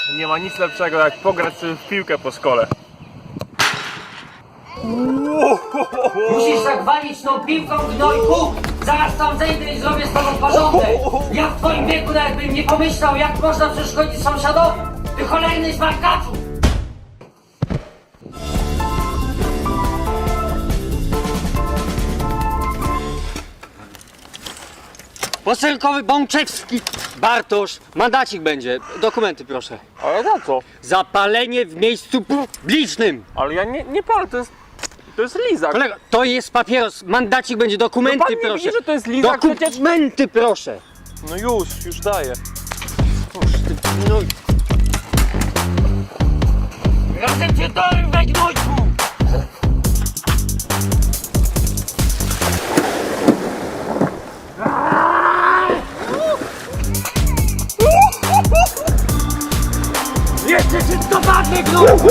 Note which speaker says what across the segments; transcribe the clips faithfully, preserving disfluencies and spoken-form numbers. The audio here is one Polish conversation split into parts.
Speaker 1: Nie ma nic lepszego jak pograć sobie w piłkę po szkole.
Speaker 2: Musisz tak walić tą piłką, gnojku! Zaraz tam zejdę i zrobię z tobą porządek! Ja w twoim wieku nawet bym nie pomyślał, jak można przeszkodzić sąsiadowi! Ty cholerny smarkaczu!
Speaker 3: Poselkowy Bączewski Bartosz, mandacik będzie. Dokumenty proszę.
Speaker 1: Ale za co?
Speaker 3: Za palenie w miejscu publicznym.
Speaker 1: Ale ja nie, nie palę, to jest... To jest lizak.
Speaker 3: Kolego, to jest papieros, mandacik będzie, dokumenty
Speaker 1: No pan nie
Speaker 3: proszę.
Speaker 1: widzi, że to jest lizak przecież?
Speaker 3: Dokumenty proszę.
Speaker 1: No już, już daję.
Speaker 3: Oż ty, no.
Speaker 2: Razem cię dorwę, gnojku! Jeszcze cię dopadnę, gnojku!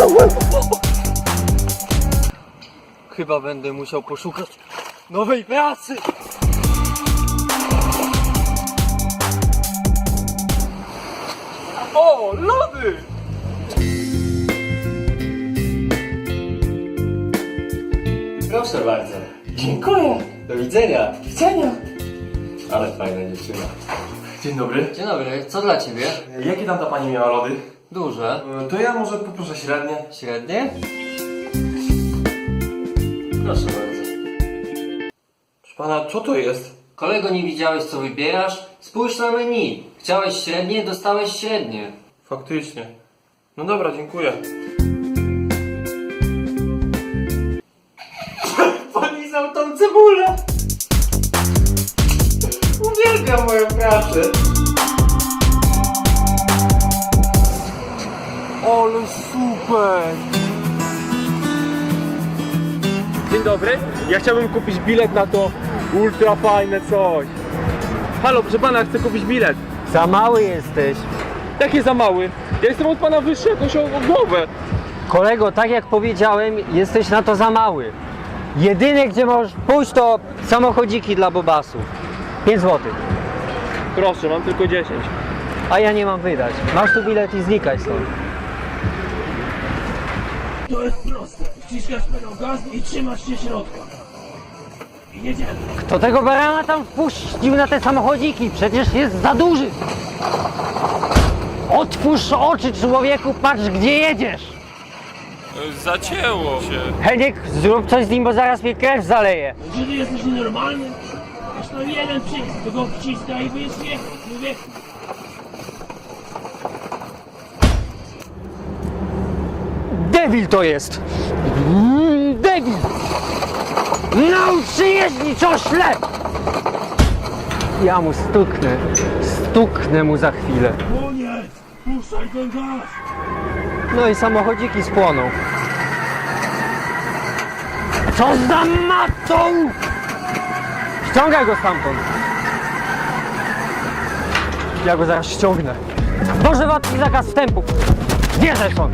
Speaker 3: Chyba będę musiał poszukać nowej pracy.
Speaker 1: O, lody!
Speaker 3: Proszę bardzo.
Speaker 1: Dziękuję.
Speaker 3: Do widzenia.
Speaker 1: Do widzenia.
Speaker 3: Ale fajna dziewczyna.
Speaker 1: Dzień dobry.
Speaker 3: Dzień dobry, co dla ciebie?
Speaker 1: Jakie tam ta pani miała lody?
Speaker 3: Duże.
Speaker 1: To ja może poproszę średnie.
Speaker 3: Średnie? Proszę bardzo.
Speaker 1: Proszę pana, co to jest?
Speaker 3: Kolego, nie widziałeś co wybierasz? Spójrz na menu. Chciałeś średnie, dostałeś średnie.
Speaker 1: Faktycznie. No dobra, dziękuję. Polizał tą cebulę! Uwielbiam moją pracę! Ale super! Dzień dobry, ja chciałbym kupić bilet na to ultra fajne coś. Halo, proszę pana, chcę kupić bilet.
Speaker 3: Za mały jesteś.
Speaker 1: Jakie za mały? Ja jestem od pana wyższy jakąś o, o głowę.
Speaker 3: Kolego, tak jak powiedziałem, jesteś na to za mały. Jedyne gdzie możesz pójść to samochodziki dla bobasów. pięć złotych.
Speaker 1: Proszę, mam tylko dziesięć.
Speaker 3: A ja nie mam wydać. Masz tu bilet i znikaj stąd.
Speaker 4: To jest proste. Wciskasz pedał gaz i trzymasz się środka. I jedziemy.
Speaker 3: Kto tego barana tam wpuścił na te samochodziki? Przecież jest za duży. Otwórz oczy, człowieku, patrz gdzie jedziesz.
Speaker 1: Zacięło się.
Speaker 3: Heniek, zrób coś z nim, bo zaraz mnie krew zaleje.
Speaker 4: Czy ty jesteś nienormalny? Masz to jeden przycisk, to go wciska i wyjdzie. Mówię,
Speaker 3: Debil to jest! Mm, debil! Naucz się jeździć, ośle! Ja mu stuknę. Stuknę mu za chwilę.
Speaker 4: koniec! Puszczaj ten gaz!
Speaker 3: No i samochodziki spłoną. Co za matą! Ściągaj go stamtąd. Ja go zaraz ściągnę. Dożywotni zakaz wstępu. Wjeżdżaj stąd.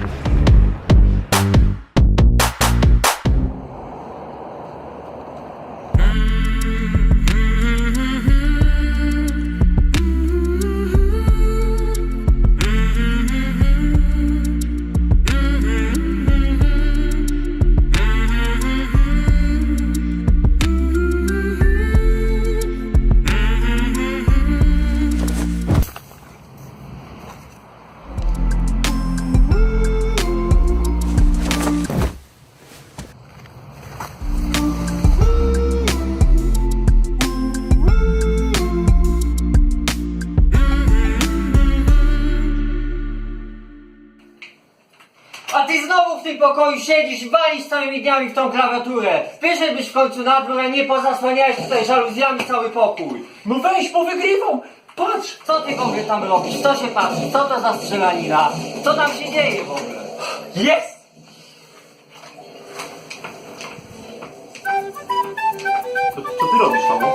Speaker 2: A ty znowu w tym pokoju siedzisz i walisz całymi dniami w tą klawiaturę. Wyszedłbyś w końcu na dwór, a nie pozasłaniałeś tutaj żaluzjami cały pokój.
Speaker 4: No weź, powygrywam! Patrz!
Speaker 2: Co ty w ogóle tam robisz? Co się patrzy? Co to za strzelanina? Co tam się dzieje w ogóle?
Speaker 4: Jest!
Speaker 1: Co, co ty robisz, Paweł?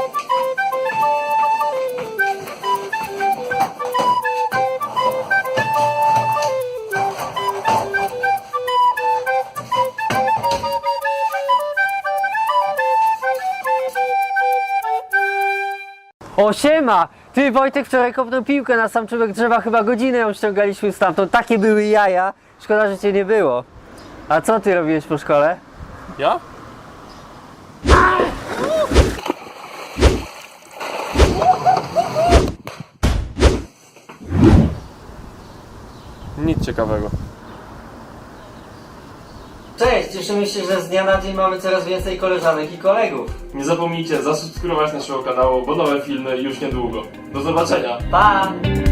Speaker 3: O, siema! Ty, Wojtek wczoraj kopnął piłkę na sam czubek drzewa, chyba godzinę ją ściągaliśmy stamtąd. Takie były jaja. Szkoda, że cię nie było. A co ty robiłeś po szkole?
Speaker 1: Ja? Nic ciekawego.
Speaker 3: Cześć, cieszymy się, że z dnia na dzień mamy coraz więcej koleżanek i kolegów.
Speaker 5: Nie zapomnijcie zasubskrybować naszego kanału, bo nowe filmy już niedługo. Do zobaczenia!
Speaker 3: Pa!